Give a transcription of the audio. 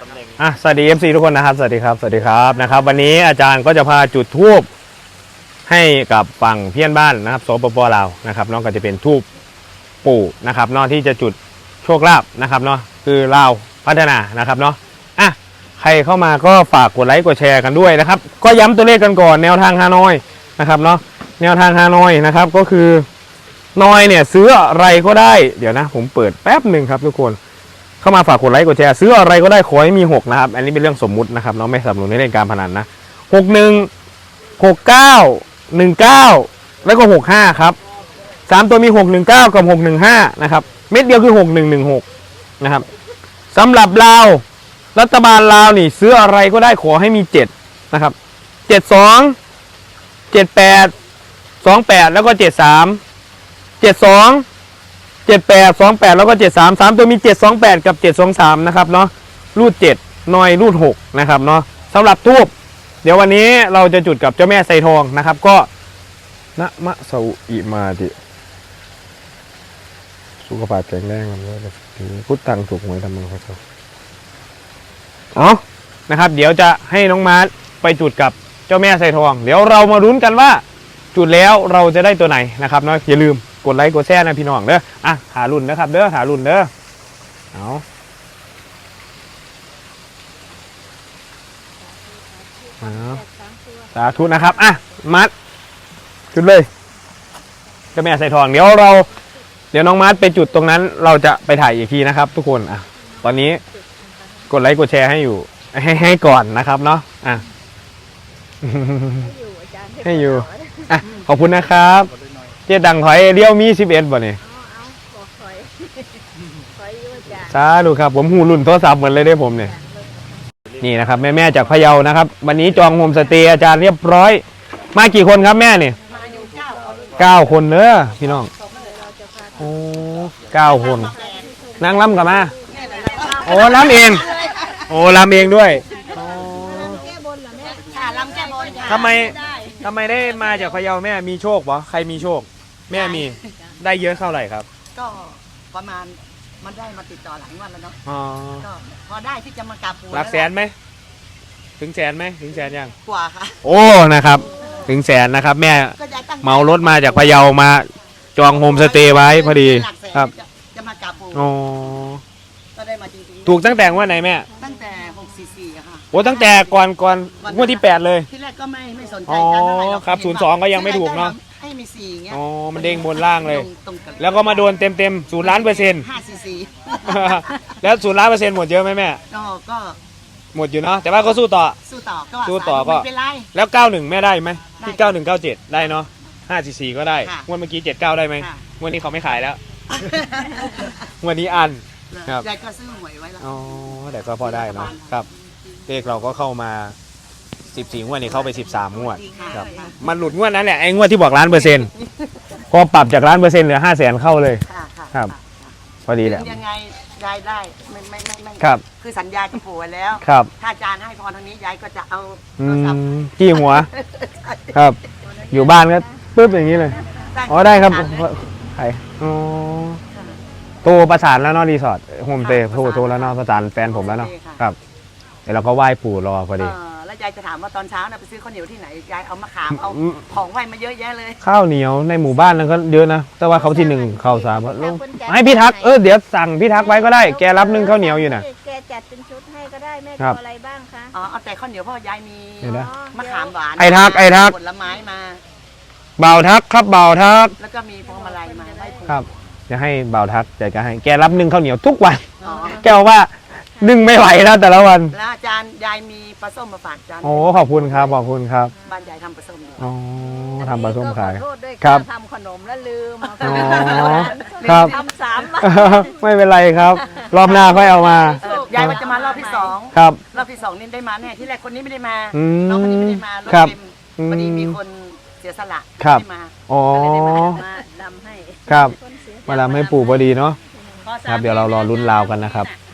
สวัสดี FC ทุกคนนะครับสวัสดีครับนะครับวันนี้อาจารย์ก็จะพาจุดธูปให้กับฝั่งเพื่อนบ้านนะครับสปป.ลาวนะครับน้องก็จะเป็นธูปปู่นะครับน้องที่จะจุดโชคลาภนะครับเนาะคือลาวพัฒนานะครับเนาะใครเข้ามาก็ฝากกดไลค์กดแชร์กันด้วยนะครับก็ย้ำตัวเลขกันก่อนแนวทางฮานอยนะครับเนาะแนวทางฮานอยนะครับก็คือนอยเนี่ยซื้ออะไรก็ได้เดี๋ยวนะผมเปิดแป๊บหนึ่งครับทุกคนเข้ามาฝากกดไลค์กดแชร์ซื้ออะไรก็ได้ขอให้มี6นะครับอันนี้เป็นเรื่องสมมุตินะครับเนาะไม่สนับสนุนในเรื่องการพนันนะ61 69 19แล้วก็65ครับ3ตัวมี619กับ615นะครับเม็ดเดียวคือ6116นะครับสำหรับลาวรัฐบาลลาวนี่ซื้ออะไรก็ได้ขอให้มี7นะครับ72 78 28แล้วก็73 72 78 28แล้วก็73 3ตัวมี728กับ723นะครับเนาะรูด7นอยรูด6นะครับเนาะสำหรับทูบเดี๋ยววันนี้เราจะจุดกับเจ้าแม่ไซทองนะครับก็นะมะเสาอิมาติสุขภาพแข็งแรงกันเลยพุทธังถูกหวยทำมังครับเอานะครับเดี๋ยวจะให้น้องมาร์ทไปจุดกับเจ้าแม่ไซทองเดี๋ยวเรามาลุ้นกันว่าจุดแล้วเราจะได้ตัวไหนนะครับเนาะอย่าลืมกดไลค์กดแชร์นะพี่น้องเด้อหารุ่นนะครับเด้อหารุ่นเด้อเอาสาธุนะครับมัดจุดเลยเจ้าแม่ไซทองเดี๋ยวน้องมัดไปจุดตรงนั้นเราจะไปถ่ายอีกทีนะครับทุกคนตอนนี้กดไลค์กดแชร์ให้อยู่ให้ก่อนนะครับเนาะให้อยู่ขอบคุณนะครับเจ๊ดังถอยเลี้ยวมี11บ่เนี่ยสาธุครับผมหูรุ่นโทรศัพท์เหมือนเลยได้ผมเนี่ยนี่นะครับแม่จากพะเยานะครับวันนี้จองโฮมสเตย์อาจารย์เรียบร้อยมากี่คนครับแม่เนี่ย9 คนเนอะพี่น้องโอ้9 คนนั่งล้ำกับมาโอ้ล้ำเองโอ้ล้ำเองด้วยทำไมได้มาจากพะเยาแม่มีโชคปะใครมีโชคแม่มีได้เยอะเท่าไหร่ครับก็ประมาณมันได้มาติดต่อหลายวันแล้วเนาะก็พอได้ที่จะมากราบปู่หลักแสนไหมถึงแสนไหมถึงแสนยังกว่าค่ะโอ้นะครับถึงแสนนะครับแม่เมารถมาจากพะเยามาจองโฮมสเตย์ไว้พอดีครับจะมากราบปู่โอ้ก็ได้มาจริงๆถูกตั้งแต่ว่าไหนแม่ตั้งแต่644ค่ะโอ้ตั้งแต่ก่อนงวดที่8เลยที่แรกก็ไม่สนใจกันเท่าไหร่หรอกครับ02ก็ยังไม่ถูกเนาะให้มี4เงี้ยอ๋อมันเด้งบนล่างเลยแล้วก็มาโดนเต็ม0 ล้านเปอร์เซ็นต์แล้ว0 ล้านเปอร์เซ็นต์หมดเยอะไหมแม่ก็หมดอยู่เนาะแต่ว่าก็สู้ต่อก็แล้ว91แม่ได้ไหมที่9197ได้เนาะ544ก็ได้งวดเมื่อกี้79ได้ไหมงวดนี้เขาไม่ขายแล้วงวดนี้อันครับยายก็ซื้อหวยไว้แล้วอ๋อแต่ก็พอได้เนาะครับเลขเราก็เข้ามา14งวดนี้เข้าไป13งวดครับมันหลุดงวดนั้นแหละไอ้งวดที่บอก1 ล้านเปอร์เซ็นต์พอปรับจาก1 ล้านเปอร์เซ็นต์เหลือ500,000เข้าเลยครับพอดีแหละยังไงยายได้ไม่ครับคือสัญญากับปู่ไว้แล้วครับถ้าอาจารย์ให้พรทางนี้ยายก็จะเอาจี้หัวครับอยู่บ้านก็ปึ๊บอย่างนี้เลยอ๋อได้ครับใครอ๋อโทรประสานแล้วเนาะรีสอร์ทโฮมสเตย์โทรแล้วเนาะประสานแฟนผมแล้วเนาะครับเดี๋ยวเราก็ไหว้ปู่รอพอดีแล้วยายจะถามว่าตอนเช้าไปซื้อข้าวเหนียวที่ไหนยายเอามะขามเอาของไหว้มาเยอะแยะเลยข้าวเหนียวในหมู่บ้านนั้นก็เยอะนะแต่ว่าเขาที่1ข้าว3ให้พี่ทักเดี๋ยวสั่งพี่ทักไว้ก็ได้แกรับ1ข้าวเหนียวอยู่นะแกจัดเป็นชุดให้ก็ได้แม่เอาอะไรบ้างคะเอาแต่ข้าวเหนียวเพราะยายมีมะขามหวานไอ้ทักผลไม้มาบ่าวทักครับบ่าวทักแล้วก็มีพวงมาลัยมาไหว้ปู่ครับจะให้บ่าวทักจะให้แกรับ1ข้าวเหนียวทุกวันแกบอกว่า1ไม่ไหวแล้วแต่ละวันแล้วอาจารย์ยายมีปลาส้มมาฝากอาจารย์โอ้ขอบคุณครับขอบคุณครับบ้านยายทำปลาส้มอ๋อทำปลาส้มขายครับทำขนมแล้วลืมครับทำ3 ไม่เป็นไรครับรอบหน้าค่อยเอามายายว่าจะมารอบที่2 ครับรอบที่2นี่ได้มาแน่ที่แรกคนนี้ไม่ได้มาน้องคนนี้ไม่ได้มาครับพอดีมีคนเสียสละไม่มาอ๋อมาลำให้ครับมาลำให้ปู่พอดีเนาะครับเดี๋ยวเรารอลุ้นราวกันนะครับ